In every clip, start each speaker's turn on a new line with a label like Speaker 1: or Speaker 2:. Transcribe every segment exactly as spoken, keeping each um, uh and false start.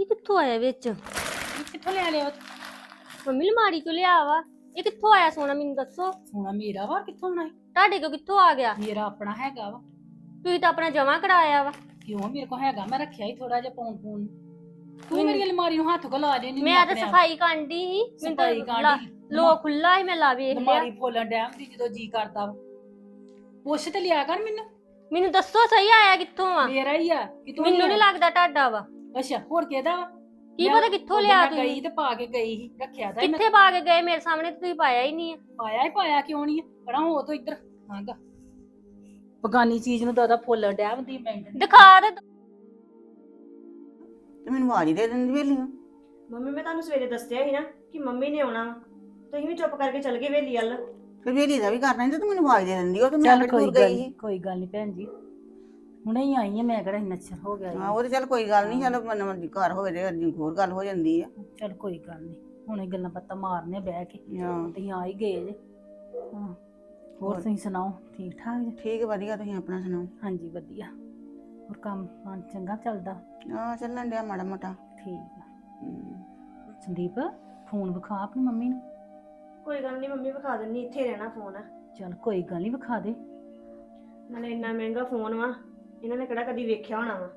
Speaker 1: ਇਹ ਕਿੱਥੋਂ ਆਇਆ ਵਿੱਚ?
Speaker 2: ਇਹ ਕਿੱਥੋਂ ਲੈ ਲਿਆ?
Speaker 1: ਮੰਮੀ ਅਲਮਾਰੀ ਚੋਂ ਲਿਆ ਵਾ। ਇਹ ਕਿੱਥੋਂ ਆਇਆ ਸੋਨਾ ਮੈਨੂੰ ਦੱਸੋ।
Speaker 2: ਸੋਨਾ ਮੇਰਾ ਵਾ, ਕਿੱਥੋਂ ਆਉਣਾ ਹੈ?
Speaker 1: ਤੁਹਾਡੇ ਕੋਲ ਕਿੱਥੋਂ ਆ ਗਿਆ?
Speaker 2: ਮੇਰਾ ਆਪਣਾ ਹੈਗਾ ਵਾ।
Speaker 1: ਤੁਸੀਂ ਤਾਂ ਆਪਣਾ ਜਮਾ ਕਰਾਇਆ ਵਾ।
Speaker 2: ਕਿਉਂ, ਮੇਰੇ ਕੋਲ ਹੈਗਾ, ਮੈਂ ਰੱਖਿਆ ਹੀ ਥੋੜਾ ਜਿਹਾ ਪੌਣ ਪੌਣ। ਤੂੰ ਮੇਰੀ ਅਲਮਾਰੀ ਨੂੰ ਹੱਥ ਕੋ ਲਾ ਦੇ।
Speaker 1: ਮੈਂ ਤਾਂ ਸਫਾਈ ਕਾਂਡੀ ਸੀ, ਮੈਨੂੰ
Speaker 2: ਸਫਾਈ
Speaker 1: ਤਾਂ
Speaker 2: ਕਾਂਢੀ।
Speaker 1: ਲੋ ਖੁੱਲਾ ਸੀ, ਮੈਂ ਲਾ ਵੇਖ ਲਿਆ।
Speaker 2: ਅਲਮਾਰੀ ਫੋਲਣ ਡੈਮ ਦੀ ਜਦੋਂ ਜੀ ਕਰਦਾ ਵਾ। ਪੁੱਛ ਤੇ ਲਿਆ ਕਰ ਮੈਨੂੰ।
Speaker 1: ਮੈਨੂੰ ਦੱਸੋ ਸਹੀ ਆਇਆ ਕਿੱਥੋਂ ਆ?
Speaker 2: ਮੇਰਾ ਹੀ ਆ ਕਿ ਤੂੰ?
Speaker 1: ਮੈਨੂੰ ਨਹੀਂ ਲੱਗਦਾ ਤੁਹਾਡਾ ਵਾ।
Speaker 2: ਅੱਛਾ, ਹੋਰ ਕਿਹਦਾ ਵਾ?
Speaker 1: ਕੀ ਪਤਾ ਕਿੱਥੋਂ ਲਿਆ
Speaker 2: ਤੁਸੀਂ? ਗਈ
Speaker 1: ਤੁਸੀਂ
Speaker 2: ਤੇ ਪਾ ਕੇ ਗਈ ਸੀ, ਰੱਖਿਆ ਤਾਂ
Speaker 1: ਕਿੱਥੇ ਪਾ ਕੇ ਗਏ? ਮੇਰੇ ਸਾਹਮਣੇ ਤਾਂ ਤੁਸੀਂ ਪਾਇਆ ਹੀ ਨਹੀਂ ਆ।
Speaker 2: ਪਾਇਆ ਹੀ ਪਾਇਆ ਕਿਉਂ ਨਹੀਂ? ਪਰਾਂ ਹੋ ਤੋ ਇੱਧਰ ਆਂਗਾ। ਬਗਾਨੀ ਚੀਜ਼ ਨੂੰ ਦਾਦਾ ਫੋਲਣ ਡੈਮ ਦੀ ਮਿੰਟ
Speaker 1: ਦਿਖਾ ਦੇ।
Speaker 3: ਤੇ ਮੈਨੂੰ ਆਵਾਜ਼ ਹੀ ਦੇ ਦਿੰਦੀ ਵੇਲੀ ਨੂੰ।
Speaker 4: ਮੰਮੀ ਮੈਂ ਤੁਹਾਨੂੰ ਸਵੇਰੇ ਦੱਸਿਆ ਸੀ ਨਾ ਕਿ ਮੰਮੀ ਨੇ ਆਉਣਾ ਵਾ। ਤੁਸੀਂ ਵੀ ਚੁੱਪ ਕਰਕੇ ਚਲ ਗਏ ਵੇਲੀ ਵੱਲ।
Speaker 3: ਫਿਰ ਵੇਲੀ ਦਾ ਵੀ ਕਰਨਾ ਸੀ ਤੇ ਤੂੰ ਮੈਨੂੰ ਆਵਾਜ਼ ਦੇ ਦਿੰਦੀ। ਉਹ ਤੇ ਮੈਂ
Speaker 2: ਚੱਲ
Speaker 3: ਕਿਹੜੀ
Speaker 2: ਕੋਈ
Speaker 3: ਦੂਰ
Speaker 2: ਗੱਲ
Speaker 3: ਗਈ
Speaker 2: ਨੀ,
Speaker 3: ਸੀ।
Speaker 2: ਕੋਈ ਗੱਲ ਨਹੀਂ ਭੈਣ ਜੀ, ਹੁਣੇ ਹੀ ਆਈ ਆ ਮੈਂ, ਕਿਹੜਾ ਨੱਚਰ ਹੋ ਗਿਆ
Speaker 3: ਹਾਂ, ਉਹ ਤੇ ਚੱਲ ਕੋਈ ਗੱਲ ਨਹੀਂ। ਚੱਲ ਮਨ ਦੀ ਘਰ ਹੋਵੇ ਤੇ ਅੱਜ ਹੋਰ ਗੱਲ ਹੋ ਜਾਂਦੀ ਆ।
Speaker 2: ਚੱਲ ਕੋਈ ਗੱਲ ਨਹੀਂ, ਹੁਣੇ ਗੱਲਾਂ ਬਾਤਾਂ ਮਾਰਨੇ ਬਹਿ ਕੇ।
Speaker 3: ਹਾਂ
Speaker 2: ਤੁਸੀਂ ਆ ਹੀ ਗਏ ਜੇ। ਹਾਂ, ਹੋਰ ਤੁਸੀਂ ਸੁਣਾਓ, ਠੀਕ ਠਾਕ ਜੀ?
Speaker 3: ਠੀਕ ਵਧੀਆ, ਤੁਸੀਂ ਆਪਣਾ ਸੁਣਾਓ।
Speaker 2: ਹਾਂਜੀ ਵਧੀਆ। ਹੋਰ ਕੰਮ ਕਾਰ ਚੰਗਾ ਚੱਲਦਾ?
Speaker 3: ਹਾਂ, ਚੱਲਣ ਡਿਆ ਮਾੜਾ ਮੋਟਾ।
Speaker 2: ਠੀਕ ਆ।
Speaker 3: ਹਮ,
Speaker 2: ਸੰਦੀਪ, ਫੋਨ ਵਿਖਾ ਆਪਣੀ ਮੰਮੀ ਨੂੰ।
Speaker 4: ਕੋਈ ਗੱਲ ਨਹੀਂ ਮੰਮੀ, ਵਿਖਾ ਦਿੰਨੀ, ਇੱਥੇ ਰਹਿਣਾ ਫੋਨ।
Speaker 2: ਚੱਲ ਕੋਈ ਗੱਲ ਨਹੀਂ, ਵਿਖਾ ਦੇ।
Speaker 4: ਨਾਲੇ ਇੰਨਾ ਮਹਿੰਗਾ ਫੋਨ ਵਾ, ਇਹਨਾਂ ਨੇ ਕਿਹੜਾ ਕਦੀ ਵੇਖਿਆ ਹੋਣਾ ਵਾ।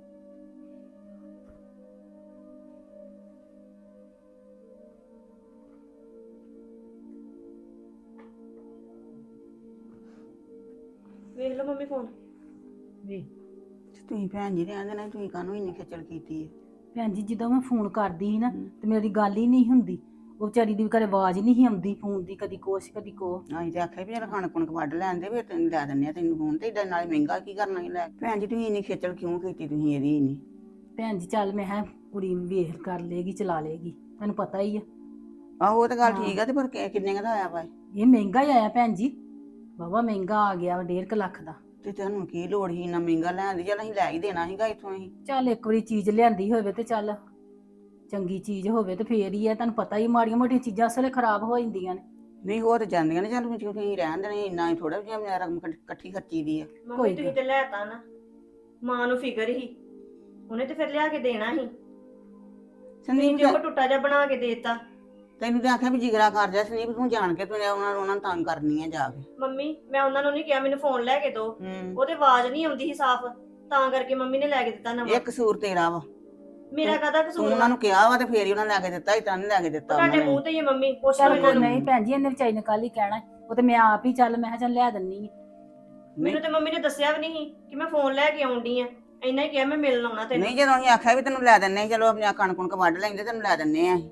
Speaker 4: ਵੇਖ ਲਓ ਮੰਮੀ ਫੋਨ।
Speaker 2: ਵੇ
Speaker 3: ਤੇ ਤੁਸੀਂ ਭੈਣ ਜੀ ਰਹਿੰਦੇ ਨੇ, ਤੁਸੀਂ ਕਾਹਨੂੰ ਇੰਨੀ ਖੇਚਲ ਕੀਤੀ ਹੈ?
Speaker 2: ਭੈਣ ਜੀ, ਜਦੋਂ ਮੈਂ ਫੋਨ ਕਰਦੀ ਸੀ ਨਾ ਤੇ ਮੇਰੀ ਗੱਲ ਹੀ ਨਹੀਂ ਹੁੰਦੀ। ਉਹ ਵਿਚਾਰੀ ਦੀ ਵੀ ਘਰੇ ਆਵਾਜ਼ ਨਹੀਂ ਸੀ ਆਉਂਦੀ ਫੋਨ ਦੀ, ਕਦੀ ਕੁਛ ਕਦੀ ਕੋ।
Speaker 3: ਅਸੀਂ ਤੇ ਆਖਿਆ ਵੀ ਯਾਰ ਕਣਕ ਕੁਣਕ ਵੱਢ ਲੈਣ ਦੇ, ਫਿਰ ਤੈਨੂੰ ਲੈ ਦਿੰਦੇ ਆ ਤੈਨੂੰ ਫੋਨ ਤੇ। ਏਡਾ ਨਾਲੇ ਮਹਿੰਗਾ ਕੀ ਕਰਨਾ ਸੀ ਲੈ ਕੇ? ਭੈਣ ਜੀ ਤੁਸੀਂ ਇੰਨੀ ਖੇਚਲ ਕਿਉਂ ਕੀਤੀ ਤੁਸੀਂ ਇਹਦੀ ਇੰਨੀ?
Speaker 2: ਭੈਣ ਜੀ ਚੱਲ ਮੈਂ ਕਿਹਾ ਕੁੜੀ ਵੇਖ ਕਰ ਲੇਗੀ, ਚਲਾ ਲੇਗੀ, ਤੁਹਾਨੂੰ ਪਤਾ ਹੀ ਆ।
Speaker 3: ਆਹੋ ਉਹ ਤਾਂ ਗੱਲ ਠੀਕ ਆ, ਤੇ ਪਰ ਕਿ- ਕਿੰਨੇ ਕੁ ਦਾ ਆਇਆ ਵਾ?
Speaker 2: ਇਹ ਮਹਿੰਗਾ ਹੀ ਆਇਆ ਭੈਣ ਜੀ, ਬਾਬਾ ਮਹਿੰਗਾ ਆ ਗਿਆ, ਡੇਢ ਕੁ ਲੱਖ ਦਾ।
Speaker 3: ਤੇ ਤੁਹਾਨੂੰ ਕੀ ਲੋੜ ਸੀ ਇੰਨਾ ਮਹਿੰਗਾ ਲੈਣ ਦੀ? ਚੱਲ ਅਸੀਂ ਲੈ ਹੀ ਦੇਣਾ ਸੀਗਾ ਇੱਥੋਂ ਅਸੀਂ।
Speaker 2: ਚੱਲ ਇੱਕ ਵਾਰੀ ਚੀਜ਼ ਲਿਆਂਦੀ ਹੋਵੇ ਤੇ ਚੱਲ ਚੰਗੀ ਚੀਜ਼ ਹੋਵੇ ਤੇ ਫੇਰ ਹੀ ਆ। ਤੁਹਾਨੂੰ ਪਤਾ ਹੀ ਮਾੜੀਆਂ ਮੋਟੀਆਂ ਚੀਜ਼ਾਂ ਅਸਲੇ ਖਰਾਬ ਹੋ ਜਾਂਦੀਆਂ ਨੇ।
Speaker 3: ਨਹੀਂ ਹੋ ਤੇ ਜਾਂਦੀਆਂ ਨੇ, ਚੱਲ ਤੁਸੀਂ ਤੁਸੀਂ ਰਹਿਣ ਦੇਣੇ, ਇੰਨਾ ਹੀ ਥੋੜਾ ਜਿਹਾ ਮੇਰਾ ਰਕਮ ਇਕੱਠ- ਇਕੱਠੀ ਖਰਚੀ ਦੀ ਆ।
Speaker 4: ਮੰਮੀ ਤੁਸੀਂ ਤੇ ਲੈਤਾ ਨਾ, ਮਾਂ ਨੂੰ ਫਿਕਰ ਹੀ, ਉਹਨੇ ਤੇ ਫਿਰ ਲਿਆ ਕੇ ਦੇਣਾ ਸੀ।
Speaker 3: ਸੰਦੀਪ
Speaker 4: ਤੇ ਉਹ ਟੁੱਟਾ ਜਿਹਾ ਬਣਾ ਕੇ ਦੇਤਾ।
Speaker 3: ਤੈਨੂੰ ਤਾਂ ਆਖਿਆ ਵੀ ਜਿਗਰਾ ਕਰ ਜਾ ਸੰਦੀਪ, ਤੂੰ ਜਾਣ ਕੇ ਤੂੰ ਉਹਨਾਂ ਨੂੰ ਉਹਨਾਂ ਨੂੰ ਤੰਗ ਕਰਨੀ ਆ ਜਾ ਕੇ।
Speaker 4: ਮੰਮੀ ਮੈਂ ਉਹਨਾਂ ਨੂੰ ਨਹੀਂ ਕਿਹਾ ਮੈਨੂੰ ਫੋਨ ਲੈ ਕੇ ਦਿਓ,
Speaker 3: ਹੂੰ,
Speaker 4: ਉਹਦੇ ਆਵਾਜ਼ ਨਹੀਂ ਆਉਂਦੀ ਸੀ ਸਾਫ਼, ਤਾਂ ਕਰਕੇ ਮੰਮੀ ਨੇ ਲੈ ਕੇ ਦਿੱਤਾ ਨਵਾਂ।
Speaker 3: ਇਹ ਕਸੂਰ ਤੇਰਾ ਵਾ।
Speaker 4: ਮੇਰਾ ਕਾਹਦਾ
Speaker 3: ਤੂੰ
Speaker 4: ਕਸੂਰ
Speaker 3: ਉਹਨਾਂ
Speaker 4: ਵਾ?
Speaker 3: ਨੂੰ ਕਿਹਾ ਵਾ ਤੇ ਫੇਰ ਹੀ ਉਹਨਾਂ ਲੈ ਕੇ ਦਿੱਤਾ, ਇਤਾਂ ਨਹੀਂ ਲੈ ਕੇ ਦਿੱਤਾ
Speaker 4: ਤੁਹਾਡੇ
Speaker 3: ਉਹਨਾਂ ਨੇ।
Speaker 4: ਮੂੰਹ ਤੇ ਹੀ ਆ ਮੰਮੀ, ਪੁੱਛ ਲਓ
Speaker 2: ਚੱਲ
Speaker 4: ਇਹਨਾਂ
Speaker 2: ਕੋਈ
Speaker 4: ਨੂੰ।
Speaker 2: ਨਹੀਂ ਭੈਣ ਜੀ, ਇਹਨੇ ਵਿਚਾਰੀ ਨੇ ਕੱਲ ਹੀ ਕਹਿਣਾ, ਉਹ ਤੇ ਮੈਂ ਆਪ ਹੀ ਚੱਲ ਮੈਂ ਕਿਹਾ ਚੱਲ ਲੈ ਦਿੰਨੀ ਆ।
Speaker 4: ਮੈਨੂੰ ਤੇ ਮੰਮੀ ਨੇ ਦੱਸਿਆ ਵੀ ਨਹੀਂ ਕਿ ਮੈਂ ਫੋਨ ਲੈ ਕੇ ਆਉਂਦੀ ਆ, ਇੰਨਾ ਹੀ ਕਿਹਾ ਮੈਂ ਮਿਲਣ ਆਉਣਾ ਤੈਨੂੰ।
Speaker 3: ਨਹੀਂ, ਜਦੋਂ ਅਸੀਂ ਆਖਿਆ ਵੀ ਤੈਨੂੰ ਲੈ ਦਿੰਨੇ, ਚਲੋ ਆਪਣੀ ਕਣਕ ਕੁਣਕ ਵੱਢ ਲੈਂਦੇ, ਤੈਨੂੰ ਲੈ ਦਿੰਨੇ ਆ ਅਸੀਂ।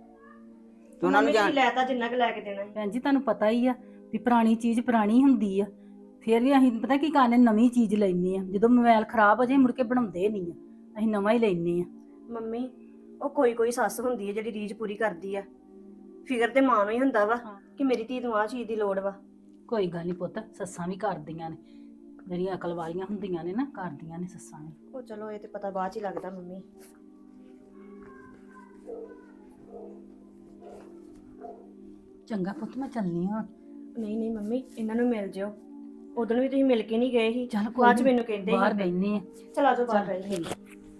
Speaker 3: ਤੇ ਉਹਨਾਂ ਨੂੰ
Speaker 4: ਮੰਮੀ
Speaker 3: ਜਾਣ
Speaker 4: ਤੁਸੀਂ ਲੈਤਾ ਜਿੰਨਾ ਕੁ ਲੈ ਕੇ ਦੇਣਾ ਸੀ।
Speaker 2: ਭੈਣ ਜੀ ਤੁਹਾਨੂੰ ਪਤਾ ਹੀ ਆ ਵੀ ਪੁਰਾਣੀ ਚੀਜ਼ ਪੁਰਾਣੀ ਹੁੰਦੀ ਆ। ਫੇਰ ਵੀ ਅਸੀਂ ਪਤਾ ਕੀ ਕਰਨੇ, ਨਵੀਂ ਚੀਜ਼ ਲੈਂਦੇ ਆ। ਜਦੋਂ ਮੋਬਾਈਲ ਖਰਾਬ ਹੋ ਜਾਏ ਮੁੜ ਕੇ ਬਣਾਉਂਦੇ ਨਹੀਂ ਆ, ਅਸੀਂ ਨਵਾਂ ਹੀ ਲੈਂਦੇ ਆ।
Speaker 4: ਮੰਮੀ ਉਹ ਕੋਈ ਕੋਈ ਸੱਸ ਹੁੰਦੀ ਹੈ ਜਿਹੜੀ ਰੀਝ ਪੂਰੀ ਕਰਦੀ ਆ। ਫਿਕਰ ਤੇ ਮਾਂ ਨੂੰ ਹੀ ਹੁੰਦਾ ਵਾ ਕਿ ਮੇਰੀ ਧੀ ਨੂੰ ਆਹ ਚੀਜ਼ ਦੀ ਲੋੜ ਵਾ।
Speaker 2: ਕੋਈ ਗੱਲ ਨਹੀਂ ਪੁੱਤ, ਸੱਸਾਂ ਵੀ ਕਰਦੀਆਂ ਨੇ, ਜਿਹੜੀਆਂ ਅਕਲ ਵਾਲੀਆਂ ਹੁੰਦੀਆਂ ਨੇ ਨਾ, ਕਰਦੀਆਂ ਨੇ ਸੱਸਾਂ ਵੀ।
Speaker 4: ਉਹ ਚਲੋ ਇਹ ਤੇ ਪਤਾ ਬਾਅਦ ਚ ਹੀ ਲੱਗਦਾ ਮੰਮੀ।
Speaker 2: ਚੰਗਾ ਪੁੱਤ, ਮੈਂ ਚੱਲਨੀ ਹਾਂ।
Speaker 4: ਨਹੀਂ ਨਹੀਂ ਮੰਮੀ, ਇਹਨਾਂ ਨੂੰ ਮਿਲ ਜਿਓ। ਉਦੋਂ ਵੀ ਤੁਸੀਂ ਮਿਲ ਕੇ ਨਹੀਂ ਗਏ ਸੀ,
Speaker 2: ਚੱਲ ਕੋਈ
Speaker 4: ਬਾਅਦ ਚ
Speaker 2: ਨੀ,
Speaker 4: ਮੈਨੂੰ ਕਹਿੰਦੇ
Speaker 2: ਬਾਹਰ
Speaker 4: ਸੀ।
Speaker 2: ਬੈਠਨੇ ਆ।
Speaker 4: ਚਲ ਆਜੋ ਬਾਹਰ
Speaker 2: ਚੱਲ
Speaker 4: ਬੈਠੇ।
Speaker 2: ਠੀਕ।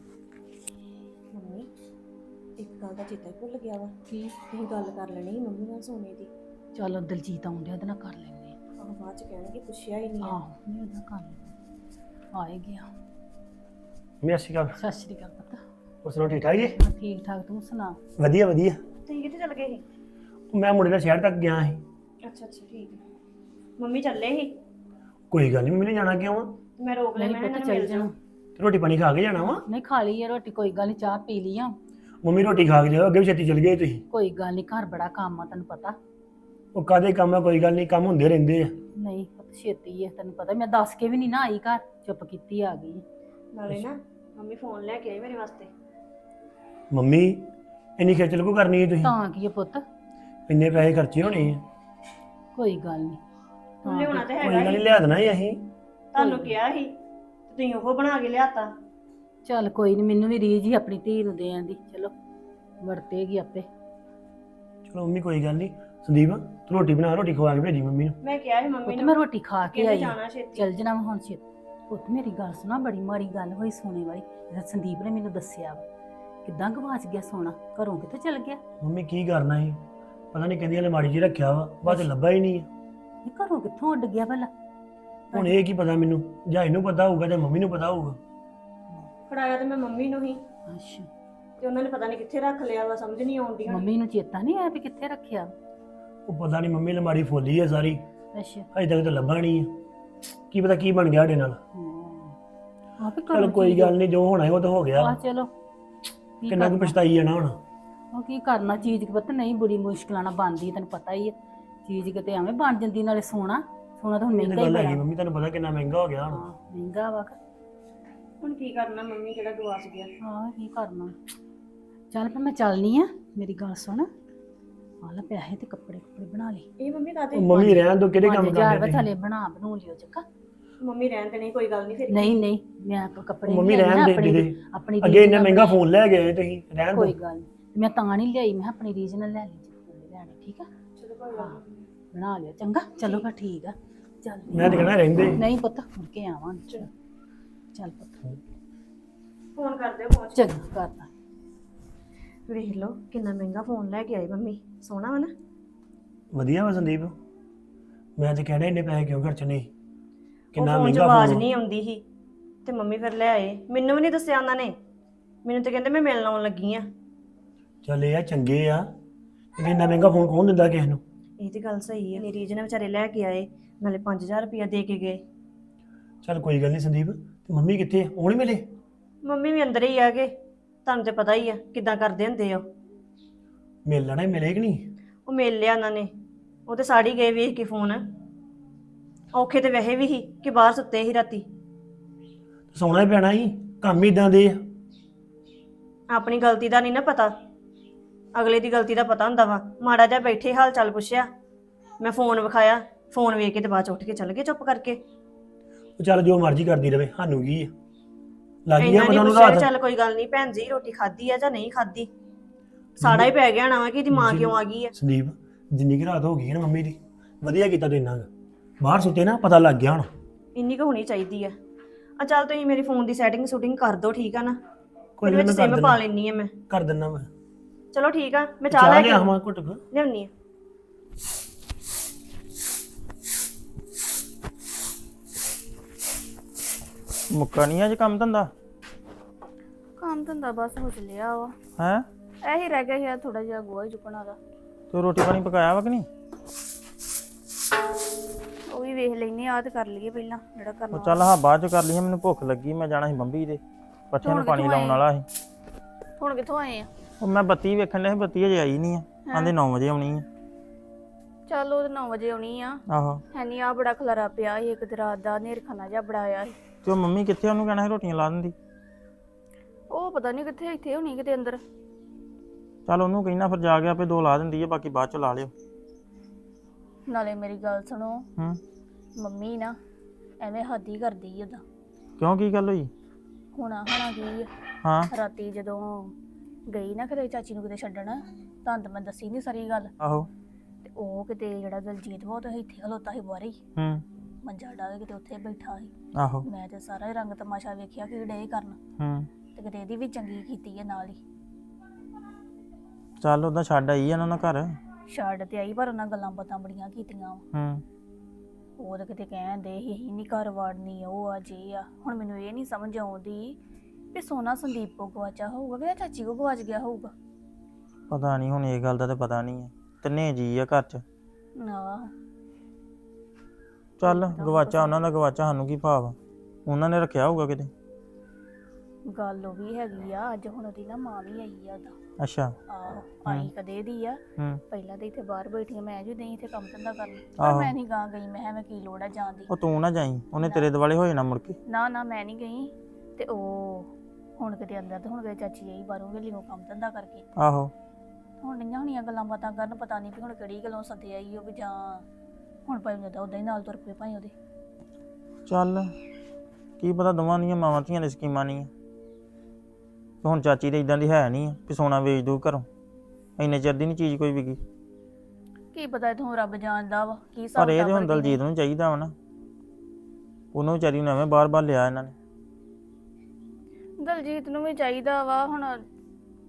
Speaker 4: ਮੰਮੀ ਇੱਕ ਗੱਲ ਦਾ ਚੇਤਾ ਹੀ ਭੁੱਲ ਗਿਆ ਵਾ,
Speaker 2: ਕੀ?
Speaker 4: ਤੁਸੀਂ ਗੱਲ ਕਰ ਲੈਣੀ ਸੀ ਮੰਮੀ ਨਾਲ ਸੋਨੇ ਦੀ।
Speaker 2: ਚਲੋ ਦਲਜੀਤ ਆਉਂਦਿਆ ਉਹਦੇ ਨਾਲ ਕਰ ਲੈਂਦੇ ਆ।
Speaker 4: ਆਹ ਬਾਅਦ ਚ ਕਹਿਣਗੇ ਪੁੱਛਿਆ ਹੀ ਨਹੀਂ ਆ।
Speaker 2: ਆਹੋ, ਨਹੀਂ ਉਹਦਾ ਕਰ ਲੈਂਦੇ, ਆਏ ਗਿਆ।
Speaker 5: ਮੈਂ ਅਸੀਂ ਗੱਲ
Speaker 2: ਸਤਿ ਸ਼੍ਰੀ ਅਕਾਲ ਪੁੱਤ।
Speaker 5: ਉਸ ਨੂੰ ਠੀਕ ਠਾਕ ਜੀ?
Speaker 2: ਹਾਂ, ਠੀਕ ਠਾਕ, ਤੂੰ ਸੁਣਾ?
Speaker 5: ਵਧੀਆ ਵਧੀਆ।
Speaker 4: ਤੁਸੀਂ ਕਿੱਥੇ ਚਲ ਗਏ ਸੀ?
Speaker 5: ਮੈਂ ਮੁੰਡੇ ਨਾਲ ਸ਼ਹਿਰ ਤੱਕ ਗਿਆ ਸੀ।
Speaker 4: ਅੱਛਾ ਅੱਛਾ ਠੀਕ ਹੈ। ਮੰਮੀ ਚੱਲੇ ਸੀ,
Speaker 5: ਕੋਈ ਗੱਲ ਨਹੀਂ, ਮੰਮੀ ਨੇ ਜਾਣਾ ਕਿਉਂ ਆ?
Speaker 4: ਮੈਂ ਰੋਕ ਲਿਆ,
Speaker 2: ਨਹੀਂ
Speaker 4: ਮੈਂ
Speaker 2: ਪੁੱਤ,
Speaker 4: ਇਹਨਾਂ ਨੂੰ
Speaker 2: ਚੱਲ
Speaker 4: ਮਿਲ
Speaker 2: ਜਾਣਾ।
Speaker 4: ਜਾਣਾ।
Speaker 5: ਤੇ ਰੋਟੀ ਪਾਣੀ ਖਾ ਕੇ ਜਾਣਾ ਵਾ?
Speaker 2: ਨਹੀਂ ਖਾ ਲਈ ਆ ਰੋਟੀ, ਕੋਈ ਗੱਲ ਨਹੀਂ, ਚਾਹ ਪੀ ਲਈ ਆ।
Speaker 5: ਮੰਮੀ ਰੋਟੀ ਖਾ ਕੇ ਜਾਓ, ਅੱਗੇ ਵੀ ਛੇਤੀ ਚਲ ਗਏ ਤੁਸੀਂ।
Speaker 2: ਕੋਈ ਗੱਲ ਨਹੀਂ, ਘਰ ਬੜਾ ਕੰਮ ਆ ਤੈਨੂੰ ਪਤਾ।
Speaker 5: ਉਹ ਕਾਹਦੇ ਕੰਮ ਆ, ਕੋਈ ਗੱਲ ਨਹੀਂ, ਕੰਮ ਹੁੰਦੇ ਰਹਿੰਦੇ ਆ।
Speaker 2: ਨਹੀਂ ਪੁੱਤ, ਛੇਤੀ ਹੈ ਤੈਨੂੰ ਪਤਾ, ਮੈਂ ਦੱਸ ਕੇ ਵੀ ਨਹੀਂ ਨਾ ਆਈ ਘਰ, ਚੁੱਪ ਕੀਤੀ ਆ ਗਈ।
Speaker 4: ਨਾਲੇ ਨਾ ਮੰਮੀ ਫੋਨ ਲੈ ਕੇ ਆਈ ਮੇਰੇ ਵਾਸਤੇ।
Speaker 5: ਮੰਮੀ ਇੰਨੀ ਖੇਚਲ ਕੋ ਕਰਨੀ ਹੈ ਤੁਸੀਂ?
Speaker 2: ਤਾਂ ਕੀ ਹੈ ਪੁੱਤ,
Speaker 5: ਇੰਨੇ ਪੈਸੇ ਖਰਚੇ ਹੋਣੇ ਆ।
Speaker 2: ਕੋਈ ਗੱਲ ਨਹੀਂ।
Speaker 4: ਹੁਣ ਲਿਆਉਣਾ ਤੇ
Speaker 5: ਕੋਈ
Speaker 4: ਹੈਗਾ
Speaker 5: ਗੱਲ
Speaker 4: ਹੀ,
Speaker 5: ਨਹੀਂ, ਲਿਆ ਦੇਣਾ ਹੀ ਅਸੀਂ।
Speaker 4: ਤੁਹਾਨੂੰ ਕਿਹਾ ਸੀ ਤੇ ਤੁਸੀਂ ਉਹ ਬਣਾ ਕੇ ਲਿਆਤਾ।
Speaker 2: ਚੱਲ ਕੋਈ ਨਹੀਂ, ਮੈਨੂੰ ਵੀ ਰੀਝ ਹੀ ਆਪਣੀ ਧੀ ਨੂੰ ਦੇਣ ਦੀ, ਚਲੋ ਵਰਤੇਗੀ ਆਪੇ।
Speaker 5: ਚਲੋ ਮੰਮੀ ਕੋਈ ਗੱਲ ਨਹੀਂ। ਸੰਦੀਪ ਤੂੰ ਰੋਟੀ ਬਣਾ, ਰੋਟੀ ਖਵਾ ਕੇ ਭੇਜੀ ਮੰਮੀ ਨੂੰ।
Speaker 4: ਮੈਂ ਕਿਹਾ ਸੀ ਮੰਮੀ
Speaker 2: ਪੁੱਤ
Speaker 4: ਨੂੰ,
Speaker 2: ਮੈਂ ਰੋਟੀ ਖਾ ਕੇ
Speaker 4: ਕਹਿੰਦੇ
Speaker 2: ਆਈ
Speaker 4: ਜਾਣਾ ਛੇਤੀ।
Speaker 2: ਚੱਲ ਜਣਾ ਮੈਂ ਹੁਣ ਛੇਤੀ। ਪੁੱਤ ਮੇਰੀ ਗੱਲ ਸੁਣਾ, ਬੜੀ ਮਾੜੀ ਗੱਲ ਹੋਈ ਸੋਨੇ ਵਾਲੀ। ਜਿਹੜਾ ਸੰਦੀਪ ਨੇ ਮੈਨੂੰ ਦੱਸਿਆ ਵਾ, ਕਿੱਦਾਂ ਗਵਾਚ ਗਿਆ ਸੋਨਾ? ਘਰੋਂ ਕਿੱਥੇ ਚਲ ਗਿਆ?
Speaker 5: ਮੰਮੀ ਕੀ ਕਰਨਾ ਸੀ ਪਤਾ ਨਹੀਂ ਕਹਿੰਦੀ ਅਲਮਾਰੀ 'ਚ ਰੱਖਿਆ ਵਾ ਬਾਅਦ 'ਚ ਲੱਭਾ ਹੀ ਨਹੀਂ ਆ।
Speaker 2: ਇਹ ਘਰੋਂ ਕਿੱਥੋਂ ਉੱਡ ਗਿਆ ਭਲਾ?
Speaker 5: ਹੁਣ ਇਹ ਕੀ ਪਤਾ ਮੈਨੂੰ, ਜਾਂ ਇਹਨੂੰ ਪਤਾ ਹੋਊਗਾ ਜਾਂ ਮੰਮੀ ਨੂੰ ਪਤਾ ਹੋਊਗਾ।
Speaker 4: ਫੜਾਇਆ ਤੇ ਮੈਂ ਮੰਮੀ ਨੂੰ ਹੀ,
Speaker 2: ਅੱਛਾ,
Speaker 4: ਤੇ ਉਹਨਾਂ ਨੇ ਪਤਾ ਨਹੀਂ ਕਿੱਥੇ ਰੱਖ ਲਿਆ ਵਾ, ਸਮਝ ਨਹੀਂ ਆਉਂਦੀ ਹੁਣ।
Speaker 2: ਮੰਮੀ ਨੂੰ ਚੇਤਾ ਨਹੀਂ ਆਇਆ ਵੀ ਕਿੱਥੇ ਰੱਖਿਆ?
Speaker 5: ਉਹ ਪਤਾ ਨਹੀਂ ਮੰਮੀ ਅਲਮਾਰੀ ਫੁੱਲੀ ਆ ਸਾਰੀ,
Speaker 2: ਅੱਛਾ,
Speaker 5: ਅਜੇ ਤੱਕ ਤਾਂ ਲੱਭਾ ਨਹੀਂ ਆ। ਕੀ ਪਤਾ ਕੀ ਬਣ ਗਿਆ ਸਾਡੇ ਨਾਲ।
Speaker 2: ਆ ਵੀ
Speaker 5: ਚਲ ਕੋਈ ਗੱਲ ਨਹੀਂ, ਜੋ ਹੋਣਾ ਹੈ ਉਹ ਤਾਂ ਹੋ ਗਿਆ।
Speaker 2: ਆ ਚਲੋ, ਕੀ
Speaker 5: ਕਿੰਨਾ ਕੁ
Speaker 2: ਕਰਨਾ?
Speaker 5: ਪਛਤਾਈ ਜਾਣਾ ਹੁਣ।
Speaker 2: ਉਹ ਕੀ ਕਰਨਾ, ਚੀਜ਼ ਪਤਾ ਨਹੀਂ ਬੜੀ ਮੁਸ਼ਕਲਾਂ ਨਾਲ ਬਣਦੀ, ਤੈਨੂੰ ਪਤਾ ਹੀ ਹੈ। ਚੀਜ਼ ਕਿਤੇ ਐਵੇਂ ਬਣ ਜਾਂਦੀ, ਨਾਲੇ ਸੋਨਾ ਸੋਨਾ ਤਾਂ ਹੁਣ
Speaker 5: ਇਹ ਤਾਂ
Speaker 2: ਮਹਿੰਗਾ ਹੀ
Speaker 5: ਗੱਲ ਹੈਗੀ
Speaker 2: ਬੜਾ।
Speaker 5: ਮੰਮੀ, ਤੁਹਾਨੂੰ ਪਤਾ ਕਿੰਨਾ ਮਹਿੰਗਾ ਹੋ ਗਿਆ ਹੁਣ।
Speaker 2: ਹਾਂ, ਮਹਿੰਗਾ ਵਾ।
Speaker 4: ਹੁਣ ਕੀ ਕਰਨਾ, ਮੰਮੀ ਕਿਹੜਾ ਗਵਾਚ ਗਿਆ।
Speaker 2: ਹਾਂ, ਕੀ ਕਰਨਾ। ਚੱਲ ਫਿਰ ਮੈਂ ਚੱਲਨੀ ਆ, ਮੇਰੀ ਗੱਲ ਸੁਣ, ਆ ਲੈ ਪੈਸੇ ਤੇ ਕੱਪੜੇ ਕੁੱਪੜੇ ਬਣਾ ਲਈ।
Speaker 4: ਇਹ ਮੰਮੀ ਕਾਤੇ?
Speaker 5: ਉਹ ਮੰਮੀ ਰਹਿਣ ਦੋ, ਕਿਹੜੇ ਕੰਮ
Speaker 2: ਪੰਜ ਹਜ਼ਾਰ
Speaker 5: ਕਰਦੇ
Speaker 2: ਵਾ ਥਲੇ ਬਣਾ ਬਣੂ ਲਿਓ ਚੱਕਾ।
Speaker 4: ਮੰਮੀ ਰਹਿਣ ਤੇ ਨਹੀਂ, ਕੋਈ ਗੱਲ ਨਹੀਂ ਫਿਰ।
Speaker 2: ਨਹੀਂ ਨਹੀਂ, ਮੈਂ ਆਪ ਕੱਪੜੇ
Speaker 5: ਮੰਮੀ
Speaker 2: ਲਿਆਈ ਨਾ
Speaker 5: ਰਹਿਣ ਦੇ
Speaker 2: ਆਪਣੀ-
Speaker 5: ਦੇ।
Speaker 2: ਆਪਣੀ
Speaker 5: ਅੱਗੇ ਇੰਨਾ
Speaker 2: ਰੀਝ
Speaker 5: ਮਹਿੰਗਾ
Speaker 2: ਨਾਲ
Speaker 5: ਫੋਨ ਲੈ ਗਏ ਤੁਸੀਂ, ਰਹਿਣ
Speaker 2: ਕੋਈ
Speaker 5: ਦੋ।
Speaker 2: ਗੱਲ ਨੀ। ਮੈਂ ਤਾਂ ਨਹੀਂ ਲਿਆਈ, ਮੈਂ ਕਿਹਾ ਆਪਣੀ ਰੀਝ ਨਾਲ ਲੈ ਲਈ ਜਿੱਥੇ ਲੈਣੀ। ਠੀਕ ਆ,
Speaker 4: ਚਲੋ ਕੋਈ ਗੱਲ ਨੀ।
Speaker 2: ਬਣਾ ਲਿਓ ਚੰਗਾ। ਚਲੋ ਫਿਰ ਠੀਕ ਆ, ਚੱਲ।
Speaker 5: ਮੈਂ ਤਾਂ ਕਹਿਣਾ ਰਹਿੰਦੇ।
Speaker 2: ਨਹੀਂ ਪੁੱਤ, ਮੁੜ ਕੇ ਆਵਾਂਗੇ। ਚੱਲ ਪੁੱਤ,
Speaker 4: ਫੋਨ ਕਰ ਦਿਓ ਪਹੁੰਚ।
Speaker 2: ਚੰਗਾ ਕਰਦਾ।
Speaker 4: ਵੇਖ ਲਓ ਕਿੰਨਾ ਮਹਿੰਗਾ ਫੋਨ ਲੈ ਕੇ ਆਏ ਮੰਮੀ, ਸੋਹਣਾ ਵਾ ਨਾ।
Speaker 5: ਵਧੀਆ ਵਾ ਸੰਦੀਪ, ਮੈਂ ਤਾਂ ਕਹਿਣਾ ਇੰਨੇ ਪੈਸੇ ਕਿਉਂ ਖਰਚਣੇ।
Speaker 4: ਉਹ
Speaker 5: ਕਿੰਨਾ
Speaker 4: ਫੋਨ 'ਚ
Speaker 5: ਮਹਿੰਗਾ
Speaker 4: ਆਵਾਜ਼
Speaker 5: ਫੋਨ।
Speaker 4: ਨਹੀਂ ਆਉਂਦੀ ਸੀ ਤੇ ਮੰਮੀ ਫਿਰ ਲੈ ਆਏ। ਮੈਨੂੰ ਵੀ ਨਹੀਂ ਦੱਸਿਆ ਉਹਨਾਂ ਨੇ, ਮੈਨੂੰ ਤਾਂ ਕਹਿੰਦੇ ਮੈਂ ਮਿਲਣ ਆਉਣ ਲੱਗੀ ਆ।
Speaker 5: ਚੱਲ ਇਹ ਆ ਚੰਗੇ ਆ, ਤੇ ਇੰਨਾ ਮਹਿੰਗਾ ਫੋਨ ਕੌਣ ਦਿੰਦਾ ਕਿਸੇ ਨੂੰ।
Speaker 4: ਇਹ ਤੇ ਗੱਲ ਸਹੀ ਹੈ, ਮੇਰੀ ਨੇ ਵਿਚਾਰੇ ਲੈ ਕੇ ਆਏ, ਨਾਲੇ ਪੰਜ ਹਜ਼ਾਰ ਰੁਪਇਆ ਦੇ ਕੇ ਗਏ।
Speaker 5: ਚੱਲ ਕੋਈ ਗੱਲ ਨਹੀਂ ਸੰਦੀਪ, ਤੇ ਮੰਮੀ ਕਿੱਥੇ ਆ? ਉਹ ਨਹੀਂ ਮਿਲੇ?
Speaker 4: ਮੰਮੀ ਵੀ ਅੰਦਰ ਹੀ ਆ ਗਏ, ਤੁਹਾਨੂੰ ਤੇ ਪਤਾ ਹੀ ਆ ਕਿੱਦਾਂ ਕਰਦੇ ਹੁੰਦੇ ਆ।
Speaker 5: ਮਿਲ ਲੈਣਾ, ਮਿਲੇ ਕਿ ਨਹੀਂ?
Speaker 4: ਉਹ ਮਿਲ ਲਿਆ ਉਹਨਾਂ ਨੇ, ਉਹ ਤੇ ਸਾੜੀ ਗਏ ਵੇਖ ਕੇ ਫੋਨ। ਔਖੇ ਤੇ ਵੈਸੇ ਵੀ ਸੀ ਕਿ ਬਾਹਰ ਸੁੱਤੇ ਸੀ ਰਾਤੀ।
Speaker 5: ਸੌਣਾ ਹੀ ਪੈਣਾ ਸੀ, ਕੰਮ ਹੀ ਇਦਾਂ ਦੇ ਆ।
Speaker 4: ਆਪਣੀ ਗਲਤੀ ਦਾ ਨਹੀਂ ਨਾ ਪਤਾ, ਅਗਲੇ ਦੀ ਗਲਤੀ ਦਾ ਪਤਾ ਹੁੰਦਾ ਵਾ। ਮਾੜਾ ਜਿਹਾ ਬੈਠੇ ਹਾਲ ਚਾਲ ਪੁੱਛਿਆ, ਮੈਂ ਫੋਨ ਵਿਖਾਇਆ, ਫੋਨ ਵੇਖ ਕੇ ਤੇ ਬਾਅਦ ਚ ਉੱਠ ਕੇ ਚੱਲ ਗਏ ਚੁੱਪ ਕਰਕੇ।
Speaker 5: ਉਹ ਚੱਲ ਜੋ ਮਰਜ਼ੀ ਕਰਦੀ ਰਵੇ, ਸਾਨੂੰ ਕੀ ਆ, ਲੱਗ ਗਿਆ
Speaker 4: ਇੰਨਾ
Speaker 5: ਪਤਾ
Speaker 4: ਨਹੀਂ
Speaker 5: ਉਹਨੂੰ
Speaker 4: ਪੁੱਛਿਆ ਵੀ
Speaker 5: ਰਾਤ।
Speaker 4: ਚੱਲ ਕੋਈ ਗੱਲ ਨਹੀਂ ਭੈਣ ਜੀ ਰੋਟੀ ਖਾਧੀ ਆ ਜਾਂ ਨਹੀਂ ਖਾਧੀ। ਸਾੜਾ ਹੀ ਪੈ ਗਿਆ ਨਾ ਵਾ ਕਿ ਇਹਦੀ ਮਾਂ ਕਿਉਂ ਆ ਗਈ ਆ।
Speaker 5: ਸੰਦੀਪ ਜਿੰਨੀ ਕਿ ਰਾਤ ਹੋ ਗਈ ਹੈ ਨਾ ਮੰਮੀ ਦੀ, ਵਧੀਆ ਕੀਤਾ ਤੂੰ ਇੰਨਾ ਕੁ। ਬਾਹਰ ਸੁੱਤੇ ਨਾ, ਪਤਾ ਲੱਗ ਗਿਆ ਹੁਣ।
Speaker 4: ਇੰਨੀ ਕੁ ਹੋਣੀ ਚਾਹੀਦੀ ਆ। ਆ ਚੱਲ ਤੁਸੀਂ ਮੇਰੀ ਫੋਨ ਦੀ ਸੈਟਿੰਗ ਸ਼ੂਟਿੰਗ ਕਰ ਦਿਓ, ਠੀਕ ਆ ਨਾ।
Speaker 5: ਕੋਈ
Speaker 4: ਇਹਦੇ
Speaker 5: ਨੀ,
Speaker 4: ਵਿੱਚ
Speaker 5: ਮੈਂ ਕਰ
Speaker 4: ਸਿਮ ਪਾ
Speaker 5: ਦਿੰਦਾ।
Speaker 4: ਲੈਣੀ ਆ ਮੈਂ।
Speaker 5: ਕਰ ਦਿੰਦਾ ਮੈਂ।
Speaker 4: ਚਲੋ ਠੀਕ ਆ, ਮੈਂ ਚਾਹ
Speaker 5: ਚਾਹ
Speaker 4: ਲੈ
Speaker 5: ਲੈ
Speaker 4: ਕੇ
Speaker 5: ਆਵਾਂ ਘੁੱਟ ਕੁ।
Speaker 4: ਲਿਆਉਣੀ ਆ।
Speaker 6: ਮੁੱਕਾ ਨਹੀਂ ਅੱਜ ਕੰਮ ਧੰਦਾ
Speaker 1: ਕੰਮ ਧੰਦਾ ਬਸ ਹੋ ਚੱਲਿਆ ਵਾ,
Speaker 6: ਹੈ?
Speaker 1: ਇਹੀ ਰਹਿ ਗਿਆ ਸੀ ਥੋੜਾ ਜਿਹਾ ਗੋਹਾ ਹੀ ਚੁੱਕਣਾ ਦਾ।
Speaker 6: ਤੂੰ ਰੋਟੀ ਪਾਣੀ ਪਕਾਇਆ ਵਾ ਕਿ ਨਹੀਂ?
Speaker 1: ਉਹ ਵੀ ਵੇਖ ਲੈਨੇ ਆ ਤੇ ਕਰ ਲਈਏ ਪਹਿਲਾਂ ਜਿਹੜਾ ਕਰਨਾ।
Speaker 6: ਉਹ ਚੱਲ ਹਾਂ ਬਾਅਦ ਚ ਕਰ ਲਈ, ਮੈਨੂੰ ਭੁੱਖ ਲੱਗੀ, ਮੈਂ ਜਾਣਾ ਸੀ ਬੰਬੀ ਦੇ ਪੱਠਿਆਂ ਨੂੰ
Speaker 1: ਹੁਣ
Speaker 6: ਪਾਣੀ
Speaker 1: ਕਿੱਥੋਂ
Speaker 6: ਲਾਉਣ
Speaker 1: ਆਏ?
Speaker 6: ਵਾਲਾ ਸੀ।
Speaker 1: ਹੁਣ ਕਿੱਥੋਂ ਆਏ ਆ?
Speaker 6: ਉਹ ਮੈਂ ਬੱਤੀ ਵੇਖਣ ਡਿਆ ਸੀ, ਬੱਤੀ ਅਜੇ ਆਈ ਨਹੀਂ ਆ, ਆਂਦੇ ਨੌ ਵਜੇ ਆਉਣੀ ਆ।
Speaker 1: ਚੱਲ ਉਹ ਨੌ ਵਜੇ ਆਉਣੀ ਆ।
Speaker 6: ਆਹੋ,
Speaker 1: ਹੈਨੀ ਆ ਬੜਾ ਖਲਾਰਾ ਪਿਆ ਸੀ ਇੱਕ ਤੇ ਰਾਤ ਦਾ, ਹਨੇਰ ਖਾਨਾ ਜਿਹਾ ਬੜਾ ਆਇਆ ਸੀ।
Speaker 6: ਤੇ ਉਹ ਮੰਮੀ ਕਿੱਥੇ? ਉਹਨੂੰ ਕਹਿਣਾ ਸੀ ਰੋਟੀਆਂ ਲਾ ਦਿੰਦੀ।
Speaker 1: ਉਹ ਪਤਾ ਨਹੀਂ ਕਿੱਥੇ, ਇੱਥੇ ਹੋਣੀ ਕਿਤੇ ਅੰਦਰ।
Speaker 6: ਚੱਲ ਉਹਨੂੰ ਕਹਿਣਾ ਫਿਰ ਜਾ ਕੇ ਆਪੇ ਦੋ ਲਾ ਦਿੰਦੀ ਆ, ਬਾਕੀ ਬਾਅਦ ਚ ਲਾ ਲਿਓ।
Speaker 1: ਨਾਲੇ ਮੇਰੀ ਗੱਲ ਸੁਣੋ,
Speaker 6: ਹੂੰ,
Speaker 1: ਮੰਮੀ ਨਾ ਐਵੇਂ ਹੱਦ ਹੀ ਕਰਦੀ ਉਹਦਾ।
Speaker 6: ਕਿਉਂ ਕੀ ਗੱਲ ਹੋਈ?
Speaker 1: ਹੋਣਾ ਹੋਣਾ ਕੀ ਆ,
Speaker 6: ਹਾਂ,
Speaker 1: ਰਾਤੀ ਜਦੋਂ ਗਈ ਨਾ ਕਿਤੇ ਚਾਚੀ ਨੂੰ ਕਿਤੇ ਛੱਡਣ, ਤਾਂ ਤਾਂ ਮੈਂ ਦੱਸੀ ਨਹੀਂ ਸਾਰੀ ਗੱਲ।
Speaker 6: ਆਹੋ,
Speaker 1: ਤੇ ਉਹ ਕਿਤੇ ਜਿਹੜਾ ਦਲਜੀਤ ਵਾ ਉਹ ਤਾਂ ਇੱਥੇ ਖਲੋਤਾ ਸੀ ਬਾਹਰ ਹੀ,
Speaker 6: ਹੂੰ,
Speaker 1: ਮੰਜਾ ਡਾ ਕੇ ਕਿਤੇ ਉੱਥੇ ਬੈਠਾ ਸੀ।
Speaker 6: ਆਹੋ,
Speaker 1: ਮੈਂ ਤੇ ਸਾਰਾ ਹੀ ਰੰਗ ਤਮਾਸ਼ਾ ਵੇਖਿਆ ਕਿ ਡੇ ਕਰਨ,
Speaker 6: ਹੂੰ।
Speaker 1: ਤੇ ਕਿਤੇ ਇਹਦੀ ਵੀ ਚੰਗੀ ਕੀਤੀ ਹੈ ਨਾਲ ਹੀ।
Speaker 6: ਚੱਲ ਉਹਦਾ ਛੱਡ ਆਈ ਆ ਉਹਨਾਂ ਦਾ ਘਰ।
Speaker 1: ਛੱਡ ਤੇ ਆਈ ਪਰ ਉਹਨਾਂ ਗੱਲਾਂ ਬਾਤਾਂ ਬੜੀਆਂ ਕੀਤੀਆਂ ਵਾ।
Speaker 6: ਹੂੰ,
Speaker 1: ਉਹ ਤਾਂ ਕਿਤੇ ਕਹਿੰਦੇ ਸੀ ਅਸੀਂ ਨਹੀਂ ਘਰ ਵਾੜਨੀ, ਉਹ ਆ ਜੇ ਆ। ਹੁਣ ਮੈਨੂੰ ਇਹ ਨਹੀਂ ਸਮਝ ਆਉਂਦੀ ਵੀ ਸੋਨਾ ਸੰਦੀਪ ਕੋ ਗਵਾਚਾ ਹੋਊਗਾ ਕਿ ਚਾਚੀ ਕੋ ਗਵਾਚ ਗਿਆ ਹੋਊਗਾ।
Speaker 6: ਪਤਾ ਨਹੀਂ ਹੁਣ, ਇਹ ਗੱਲ ਦਾ ਤਾਂ ਪਤਾ ਨਹੀਂ ਆ। ਤਿੰਨੇ ਜੀ ਆ ਘਰ ਚ।
Speaker 1: ਆਹ
Speaker 6: ਚੱਲ ਗਵਾਚਾ ਉਹਨਾਂ ਦਾ ਗਵਾਚਾ, ਸਾਨੂੰ ਕੀ ਭਾਵ? ਉਹਨਾਂ ਨੇ ਰੱਖਿਆ ਹੋਊਗਾ ਕਿਤੇ।
Speaker 1: ਗੱਲ ਉਹ ਵੀ ਹੈਗੀ ਆ। ਅੱਜ ਹੁਣ ਉਹਦੀ ਨਾ ਮਾਂ ਵੀ ਆਈ ਆ ਉਹਦਾ।
Speaker 6: ਅੱਛਾ,
Speaker 1: ਆਹੋ, ਆਈ ਕਦੇ ਦੀ ਆ।
Speaker 6: ਹੂੰ।
Speaker 1: ਪਹਿਲਾਂ ਤਾਂ ਇੱਥੇ ਬਾਹਰ ਬੈਠੀ ਮੈਂ ਜੀ ਨਹੀਂ ਇੱਥੇ ਕੰਮ ਧੰਦਾ ਕਰਨ, ਪਰ
Speaker 6: ਆਹੋ।
Speaker 1: ਮੈਂ ਨਹੀਂ ਗਾਂ ਗਈ। ਮੈਂ ਕਿਹਾ ਮੈਂ ਕੀ ਲੋੜ ਆ ਜਾਣ ਦੀ।
Speaker 6: ਉਹ ਤੂੰ ਨਾ ਜਾਈ, ਉਹਨੇ ਤੇਰੇ ਦੁਆਲੇ ਹੋ ਜਾਣਾ ਮੁੜ ਕੇ।
Speaker 1: ਨਾ ਨਾ ਮੈਂ ਨਹੀਂ ਗਈ। ਤੇ ਉਹ ਹੁਣ ਕਿਤੇ ਅੰਦਰ ਤੇ ਹੁਣ ਕਿਤੇ ਚਾਚੀ ਆਈ ਬਾਹਰੋਂ ਵੇਲੀਓ ਕੰਮ ਧੰਦਾ ਕਰਕੇ।
Speaker 6: ਆਹੋ,
Speaker 1: ਹੁਣ ਨਹੀਂਆਂ ਹੋਣੀਆਂ ਗੱਲਾਂ ਬਾਤਾਂ ਕਰਨ, ਪਤਾ ਨਹੀਂ ਵੀ ਹੁਣ ਕਿਹੜੀ ਗੱਲੋਂ ਸੱਦੇ ਆਈ ਉਹ ਵੀ ਜਾਂ ਹੁਣ ਭਾਈ ਜਦੋਂ ਉਦਾਂ ਹੀ ਨਾਲ ਤੁਰ ਪਏ ਭਾਈ ਉਹਦੇ।
Speaker 6: ਚੱਲ ਕੀ ਪਤਾ, ਦੋਵਾਂ ਦੀਆਂ ਮਾਵਾਂ ਧੀਆਂ ਦੀ ਸਕੀਮਾਂ ਨਹੀਂ ਆ। ਤੇ ਹੁਣ ਚਾਚੀ ਦੇ ਇਦਾਂ ਦੀ ਹੈ ਨਹੀਂ ਆ ਵੀ ਸੋਨਾ ਵੇਚ ਦੂ ਘਰੋਂ। ਇੰਨੇ ਚਿਰ ਦੀ ਨਹੀਂ ਚੀਜ਼ ਕੋਈ ਵਿਕੀ।
Speaker 1: ਕੀ ਪਤਾ ਇਥੋਂ ਰੱਬ ਜਾਣਦਾ ਵਾ ਕੀ ਹਿਸਾਬ
Speaker 6: ਪਰ ਇਹ ਤੇ
Speaker 1: ਕਿਤਾਬ
Speaker 6: ਹੁਣ ਦਲਜੀਤ ਨੂੰ ਚਾਹੀਦਾ ਵਾ ਨਾ, ਉਹਨੂੰ ਵਿਚਾਰੀ ਨੂੰ ਐਵੇਂ ਬਾਰ-ਬਾਰ ਲਿਆ ਇਹਨਾਂ ਨੇ।
Speaker 1: ਦਲਜੀਤ ਨੂੰ ਵੀ ਚਾਹੀਦਾ ਵਾ। ਹੁਣ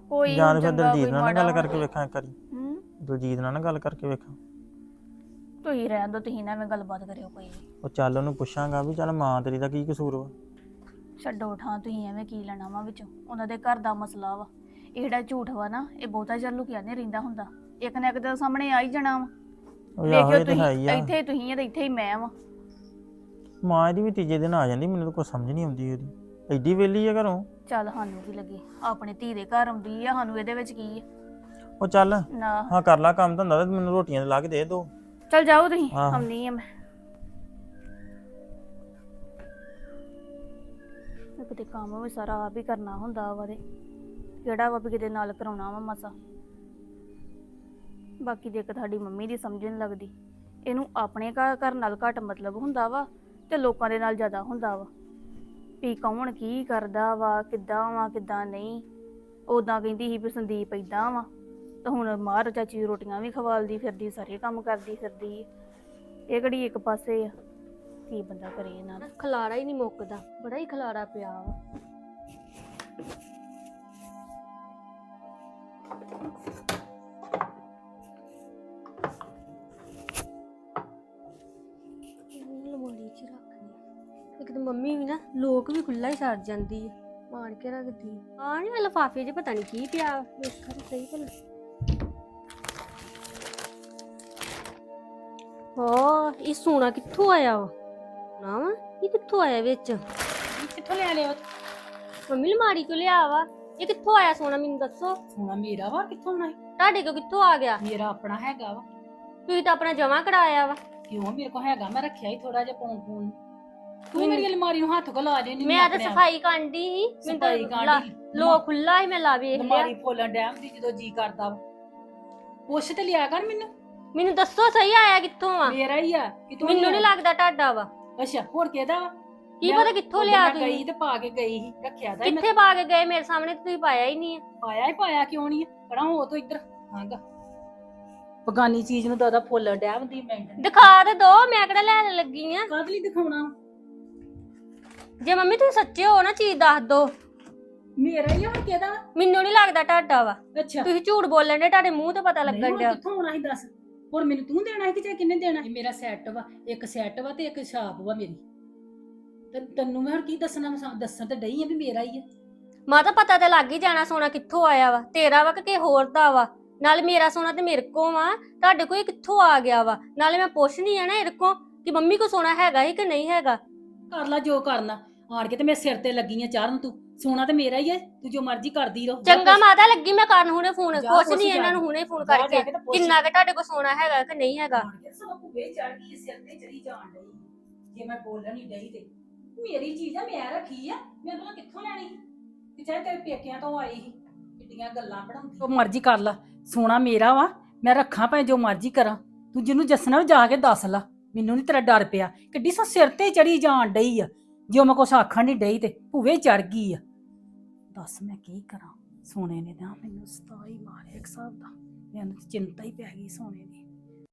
Speaker 1: ਕੋਈ
Speaker 6: ਜਾਂ
Speaker 1: ਹੁਣ
Speaker 6: ਫਿਰ
Speaker 1: ਚੰਗਾ,
Speaker 6: ਦਲਜੀਤ
Speaker 1: ਕੋਈ
Speaker 6: ਨਾਲ ਨਾ
Speaker 1: ਮਾੜਾ
Speaker 6: ਗੱਲ ਕਰਕੇ
Speaker 1: ਹੋਵੇ।
Speaker 6: ਵੇਖਾਂ ਇੱਕ ਵਾਰੀ
Speaker 1: ਹੂੰ
Speaker 6: ਦਲਜੀਤ ਨਾਲ ਨਾ ਗੱਲ ਕਰਕੇ ਵੇਖਾਂ।
Speaker 1: ਤੁਸੀਂ ਰਹਿਣ ਦੋ, ਤੁਸੀਂ ਨਾ ਐਵੇਂ ਗੱਲਬਾਤ ਕਰਿਓ ਕੋਈ ਵੀ।
Speaker 6: ਉਹ ਚੱਲ ਉਹਨੂੰ ਪੁੱਛਾਂਗਾ ਵੀ ਚੱਲ ਮਾਂ ਤੇਰੀ ਦਾ ਕੀ ਕਸੂਰ ਵਾ।
Speaker 1: ਛੱਡੋ ਠਾਂ, ਤੁਸੀਂ ਐਵੇਂ ਕੀ ਲੈਣਾ ਵਾ ਵਿੱਚੋਂ, ਉਹਨਾਂ ਦੇ ਘਰ ਦਾ ਮਸਲਾ ਵਾ। ਇਹ ਜਿਹੜਾ ਝੂਠ ਵਾ ਨਾ, ਇਹ ਬਹੁਤਾ ਚਿਰ ਲੁਕਿਆ ਨਹੀਂ ਰਹਿੰਦਾ ਹੁੰਦਾ, ਇੱਕ ਨਾ ਇੱਕ ਦਿਨ ਸਾਹਮਣੇ ਆ ਹੀ ਜਾਣਾ ਵਾ।
Speaker 6: ਉਹ ਆਹੋ
Speaker 1: ਵੇਖਿਓ
Speaker 6: ਇਹ ਤੇ ਹੈ ਹੀ
Speaker 1: ਤੁਸੀਂ,
Speaker 6: ਆ।
Speaker 1: ਇੱਥੇ ਹੀ ਤੁਸੀਂ ਆ ਤੇ ਇੱਥੇ ਹੀ ਮੈਂ ਵਾ।
Speaker 6: ਮਾਂ ਇਹਦੀ ਵੀ ਤੀਜੇ ਦਿਨ ਆ ਜਾਂਦੀ, ਮੈਨੂੰ ਤਾਂ ਕੁਝ ਸਮਝ ਨਹੀਂ ਆਉਂਦੀ ਉਹਦੀ, ਐਡੀ ਵੇਲੀ ਆ ਘਰੋਂ।
Speaker 1: ਚੱਲ ਸਾਨੂੰ ਕੀ ਲੱਗੇ, ਆਪਣੇ ਧੀ ਦੇ ਘਰ ਆਉਂਦੀ ਆ, ਸਾਨੂੰ ਇਹਦੇ ਵਿੱਚ ਕੀ ਆ।
Speaker 6: ਉਹ ਚੱਲ
Speaker 1: ਨਾ
Speaker 6: ਹਾਂ ਕਰ ਲਾ ਕੰਮ ਧੰਦਾ ਤੇ ਮੈਨੂੰ ਰੋਟੀਆਂ ਤੇ ਲਾ ਕੇ ਦੇ ਦੋ।
Speaker 1: ਚੱਲ ਜਾਓ ਤੁਸੀਂ,
Speaker 6: ਆਹੋ।
Speaker 1: ਆਉਂਦੀ ਆ ਮੈਂ। ਕਿਤੇ ਕੰਮ ਵੀ ਸਾਰਾ ਆਪ ਹੀ ਕਰਨਾ ਹੁੰਦਾ ਵਾ ਤੇ ਕਿਹੜਾ ਵਾ ਵੀ ਕਿਤੇ ਨਾਲ ਕਰਾਉਣਾ ਵਾ ਮਸਾ। ਬਾਕੀ ਦੇਖ ਤੁਹਾਡੀ ਮੰਮੀ ਦੀ ਸਮਝ ਨਹੀਂ ਲੱਗਦੀ, ਇਹਨੂੰ ਆਪਣੇ ਘਰ ਘਰ ਨਾਲ ਘੱਟ ਮਤਲਬ ਹੁੰਦਾ ਵਾ ਤੇ ਲੋਕਾਂ ਦੇ ਨਾਲ ਜ਼ਿਆਦਾ ਹੁੰਦਾ ਵਾ ਵੀ ਕੌਣ ਕੀ ਕਰਦਾ ਵਾ, ਕਿੱਦਾਂ ਵਾ ਕਿੱਦਾਂ ਨਹੀਂ। ਉਦਾਂ ਕਹਿੰਦੀ ਸੀ ਵੀ ਸੰਦੀਪ ਏਦਾਂ ਵਾ, ਤਾਂ ਹੁਣ ਮਾਰ ਚਾਚੀ ਰੋਟੀਆਂ ਵੀ ਖਵਾਲਦੀ ਫਿਰਦੀ, ਸਾਰੇ ਕੰਮ ਕਰਦੀ ਫਿਰਦੀ। ਇਹ ਕਿਹੜੀ ਇੱਕ ਪਾਸੇ ਆ, ਕੀ ਬੰਦਾ ਕਰੇ ਇਹਨਾਂ ਦਾ।
Speaker 7: ਖਲਾਰਾ ਹੀ ਨਹੀਂ ਮੁੱਕਦਾ, ਬੜਾ ਹੀ ਖਲਾਰਾ ਪਿਆ ਵਾ। ਲਮਾਰੀ ਚ ਰੱਖਣੀ ਇੱਕ ਤਾਂ ਮੰਮੀ ਵੀ ਨਾ ਲੋਕ ਵੀ ਖੁੱਲਾ ਹੀ ਛੱਡ ਜਾਂਦੀ ਆ, ਮਾਰ ਕੇ ਰੱਖਦੀ ਆ। ਨਹੀਂ ਲਿਫਾਫੇ 'ਚ ਪਤਾ ਨਹੀਂ ਕੀ ਪਿਆ, ਵੇਖਾਂ ਤਾਂ ਸਹੀ ਭਲਾ। ਹਾਂ ਇਹ ਸੋਨਾ ਕਿੱਥੋਂ ਆਇਆ ਵਾ? ਨਾ ਵਾ ਇਹ ਕਿੱਥੋਂ ਆਇਆ ਵਿੱਚ?
Speaker 2: ਕਿੱਥੋਂ ਲੈ ਲਿਆ?
Speaker 7: ਮੰਮੀ ਲਮਾਰੀ ਚੋਂ ਲਿਆ ਵਾ। ਇਹ ਕਿੱਥੋਂ ਆਇਆ ਸੋਨਾ, ਮੈਨੂੰ ਦੱਸੋ।
Speaker 2: ਸੋਨਾ ਮੇਰਾ ਵਾ, ਕਿੱਥੋਂ ਆਉਣਾ?
Speaker 7: ਤੁਹਾਡੇ ਕੋਲ ਕਿੱਥੋਂ ਆ ਗਿਆ?
Speaker 2: ਮੇਰਾ ਆਪਣਾ ਹੈਗਾ ਵਾ।
Speaker 7: ਤੁਸੀਂ ਤਾਂ ਆਪਣਾ ਜਮਾ ਕਰਾਇਆ ਵਾ।
Speaker 2: ਕਿਉਂ, ਮੇਰੇ ਕੋਲ ਹੈਗਾ, ਮੈਂ ਰੱਖਿਆ ਹੀ ਥੋੜਾ ਜਿਹਾ ਪੌਣ ਪੌਣ। ਤੂੰ ਮੇਰੀ ਅਲਮਾਰੀ ਨੂੰ ਹੱਥ ਕੋ ਲਾ ਦੇ।
Speaker 7: ਮੈਂ ਤਾਂ ਸਫਾਈ ਕਰਦੀ ਸੀ, ਮੈਨੂੰ ਤਾਂ
Speaker 2: ਸਫਾਈ
Speaker 7: ਲਾ-
Speaker 2: ਕਾਂਡੀ
Speaker 7: ਲੋ ਖੁੱਲਾ ਹੀ ਮੈਂ ਲਾ ਵੇਖ ਲਿਆ।
Speaker 2: ਅਲਮਾਰੀ ਫੋਲਣ ਡੈਮ ਦੀ ਜਦੋਂ ਜੀ ਕਰਦਾ ਵਾ। ਪੁੱਛ ਤੇ ਲਿਆ ਕਰ ਮੈਨੂੰ।
Speaker 7: ਮੈਨੂੰ ਦੱਸੋ ਸਹੀ ਆਇਆ ਕਿੱਥੋਂ ਆ?
Speaker 2: ਮੇਰਾ ਹੀ ਆ ਕਿ ਤੂੰ
Speaker 7: ਮੈਨੂੰ ਨਹੀਂ ਲੱਗਦਾ ਤੁਹਾਡਾ ਵਾ।
Speaker 2: ਅੱਛਾ ਹੋਰ ਕਿਹਦਾ ਵਾ?
Speaker 7: ਕੀ
Speaker 2: ਮੈਂ
Speaker 7: ਪਤਾ ਕਿੱਥੋਂ
Speaker 2: ਉਦੋਂ
Speaker 7: ਲਿਆ
Speaker 2: ਮੈਂ
Speaker 7: ਤੁਸੀਂ?
Speaker 2: ਗਈ ਤੇ ਪਾ ਕੇ ਗਈ ਸੀ, ਰੱਖਿਆ ਤਾਂ ਸੀ ਮੈਂ।
Speaker 7: ਕਿੱਥੇ ਪਾ ਕੇ ਗਏ? ਮੇਰੇ ਸਾਹਮਣੇ ਤਾਂ ਤੁਸੀਂ ਪਾਇਆ ਹੀ ਨਹੀਂ ਹੈ।
Speaker 2: ਪਾਇਆ ਹੀ ਪਾਇਆ, ਕਿਉਂ ਨਹੀਂ? ਪੜਾ ਹੋ ਤੋ ਇੱਧਰ ਹਾਂਗਾ। ਬਗਾਨੀ ਚੀਜ਼ ਨੂੰ ਦਾਦਾ ਫੋਲਣ ਡੈਮ ਦੀ ਮੈਂ
Speaker 7: ਦਿਖਾ ਤੇ ਦੋ, ਮੈਂ ਕਿਹੜਾ ਲੈਣ ਲੱਗੀ ਆ।
Speaker 2: ਕਾਹਦੇ ਲਈ ਦਿਖਾਉਣਾ?
Speaker 7: ਜੇ ਮੰਮੀ ਤੁਸੀਂ ਸੱਚੇ ਹੋ ਨਾ ਚੀਜ਼ ਦੱਸ ਦੋ।
Speaker 2: ਮੇਰਾ ਹੀ ਆ, ਹੋਰ ਕਿਹਦਾ?
Speaker 7: ਮੈਨੂੰ ਨਹੀਂ ਲੱਗਦਾ ਤੁਹਾਡਾ ਵਾ।
Speaker 2: ਅੱਛਾ
Speaker 7: ਤੁਸੀਂ ਝੂਠ ਬੋਲਣ ਦੇ, ਤੁਹਾਡੇ ਮੂੰਹ ਤੇ ਪਤਾ
Speaker 2: ਨਹੀਂ,
Speaker 7: ਲੱਗਣ
Speaker 2: ਹੁਣ
Speaker 7: ਡਿਆ।
Speaker 2: ਕਿੱਥੋਂ ਆਉਣਾ ਸੀ ਦੱਸ? ਹੋਰ ਮੈਨੂੰ ਤੂੰ ਦੇਣਾ ਸੀ ਕਿ ਜਾਂ ਕਿੰਨੇ ਦੇਣਾ? ਇਹ ਮੇਰਾ ਸੈੱਟ ਵਾ, ਇੱਕ ਸੈੱਟ ਵਾ ਤੇ ਇੱਕ ਛਾਪ ਵਾ ਮੇਰੀ। ਤੇ ਤੈਨੂੰ ਮੈਂ ਹੁਣ ਕੀ ਦੱਸਣਾ? ਮੈਂ ਦੱਸਣ ਤੇ ਡਈ ਆ ਵੀ ਮੇਰਾ ਹੀ ਆ।
Speaker 7: ਮਾਤਾ ਪਤਾ ਤੇ ਲੱਗ ਹੀ ਜਾਣਾ ਸੋਨਾ ਕਿੱਥੋਂ ਆਇਆ ਵਾ, ਤੇਰਾ ਵਾ ਕਿ ਕਿਸੇ ਹੋਰ ਦਾ ਵਾ। ਨਾਲੇ ਮੇਰਾ ਸੋਨਾ ਤੇ ਮੇਰੇ ਕੋਲ ਵਾ, ਤੁਹਾਡੇ ਕੋਲ ਇਹ ਕਿੱਥੋਂ ਆ ਗਿਆ ਵਾ? ਨਾਲੇ ਮੈਂ ਪੁੱਛਣੀ ਆ ਨਾ ਇਹਦੇ ਕੋਲ ਕਿ ਮੰਮੀ ਕੋ ਸੋਨਾ ਹੈਗਾ ਹੀ ਕਿ ਨਹੀਂ ਹੈਗਾ।
Speaker 2: ਕਰ ਲਾ ਜੋ ਕਰਨਾ, ਆਣ ਕੇ ਤੇ ਮੇਰੇ ਸਿਰ ਤੇ ਲੱਗੀ ਆ ਚਾਰਨ। ਤੂੰ ਸੋਨਾ ਤੇ ਮੇਰਾ ਹੀ ਆ, ਤੂੰ ਜੋ ਮਰਜ਼ੀ ਕਰਦੀ ਰਹੋ। ਜਾ
Speaker 7: ਚੰਗਾ
Speaker 2: ਪੁੱਛ-
Speaker 7: ਮਾਤਾ ਲੱਗੀ ਮੈਂ ਕਰਨ ਹੁਣੇ ਫੋਨ,
Speaker 2: ਜਾ
Speaker 7: ਕੁਛ
Speaker 2: ਪੁੱਛ
Speaker 7: ਨਹੀਂ
Speaker 2: ਜਾ
Speaker 7: ਇਹਨਾਂ
Speaker 2: ਕੇ।
Speaker 7: ਨੂੰ ਹੁਣੇ ਫੋਨ
Speaker 2: ਜਾ ਜਾ
Speaker 7: ਕਰਕੇ
Speaker 2: ਕੇ ਤੇ ਪੁੱਛ।
Speaker 7: ਕਿੰਨਾ ਕਿ ਤੁਹਾਡੇ ਕੋਲ ਸੋਨਾ ਹੈਗਾ ਕਿ ਨਹੀਂ ਹੈਗਾ।
Speaker 2: ਆਣ ਕੇ ਸਭ ਭੁੱਵੇ ਚੜ ਗਈ, ਸਿਰ ਤੇ ਚੜੀ ਜਾਣ ਡਈ। ਜੇ ਮੈਂ ਬੋਲਣ ਹੀ ਡਈ ਤੇ ਮੇਰੀ ਚੀਜ਼ ਆ, ਮੈਂ ਰੱਖੀ ਆ, ਮੈਂ ਉਹਨੂੰ ਕਿੱਥੋਂ ਲੈਣੀ ਸੀ? ਕਿ ਚਾਹੇ ਤੇਰੇ ਪੇਕਿਆਂ ਤੋਂ ਆਈ ਸੀ। ਕਿੱਡੀਆਂ ਗੱਲਾਂ ਬਣਾਉਂਦੀ। ਜੋ ਮਰਜ਼ੀ ਕਰ ਲਾ, ਸੋਨਾ ਮੇਰਾ ਵਾ, ਮੈਂ ਰੱਖਾਂ ਭਾਵੇਂ ਜੋ ਮਰਜ਼ੀ ਕਰਾਂ। ਤੂੰ ਜਿਹਨੂੰ ਦੱਸਣਾ ਜਾ ਕੇ ਦੱਸ ਲਾ, ਮੈਨੂੰ ਨਹੀਂ ਤੇਰਾ ਡਰ ਪਿਆ। ਕਿੱਡੀ ਸੋ ਸਿਰ ਤੇ ਚੜੀ ਜਾਣ ਡਈ ਆ, ਜੋ ਮੈਂ ਕੁਛ ਆਖਣ ਨਹੀਂ ਡਈ ਤੇ ਭੁੱਵੇ ਚੜ ਗਈ ਆ। ਦੱਸ ਮੈਂ ਕੀ ਕਰਾਂ? ਸੋਨੇ ਨੇ ਨਾ ਮੈਨੂੰ ਸਤਾਈ ਮਾਰਿਆ ਇੱਕ ਹਿਸਾਬ ਦਾ, ਮੈਨੂੰ ਚਿੰਤਾ ਹੀ ਪੈ ਗਈ ਸੋਨੇ ਦੀ।